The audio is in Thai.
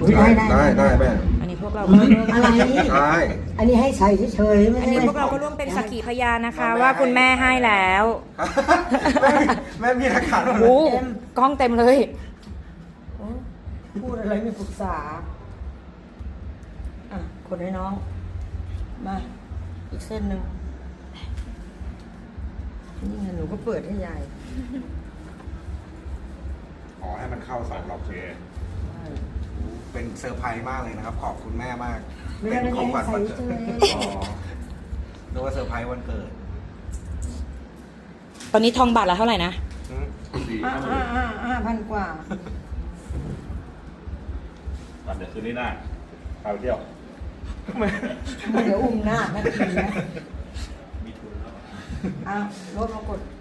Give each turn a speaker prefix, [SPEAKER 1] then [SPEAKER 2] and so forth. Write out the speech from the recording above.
[SPEAKER 1] ได้แม่
[SPEAKER 2] อันนี้พวกเราก็ร่วม
[SPEAKER 3] อะไร
[SPEAKER 1] ได้
[SPEAKER 3] อันนี้ให้ใส่เฉยๆไม่
[SPEAKER 2] อัน
[SPEAKER 3] ได้
[SPEAKER 2] นี้พวกเราก็ร่วมเป็นสักขีพยานนะคะ ว่าคุณแม่ให้แล้ว
[SPEAKER 1] แม่มีหลักฐานหมดเล
[SPEAKER 2] โอ้
[SPEAKER 1] ย
[SPEAKER 2] กล้องเต็มเลย
[SPEAKER 3] พูดอะไรไม่ปรึกษาอ่ะคนให้น้องมาอีกเส้นหนึ่งนี่ไงหนูก็เปิดให้ยาย
[SPEAKER 1] ขอให้มันเข้าสองรอบเป็นเซอร์ไพรส์มากเลยนะครับ ขอบคุณแม่มาก เป็นของขวัญวันเกิดนึกว่าเซอร์ไพรส์วันเกิด
[SPEAKER 2] ตอนนี้ทองบาทละเท่าไหร่นะ
[SPEAKER 3] 5,000 กว่า
[SPEAKER 4] เดี๋ยวคืนนี้ได้พาไปเที่ยว
[SPEAKER 3] เดี๋ยวอุ้มหน้าแม่ทีนะ
[SPEAKER 4] มีทุนแล้ว
[SPEAKER 3] รถมากด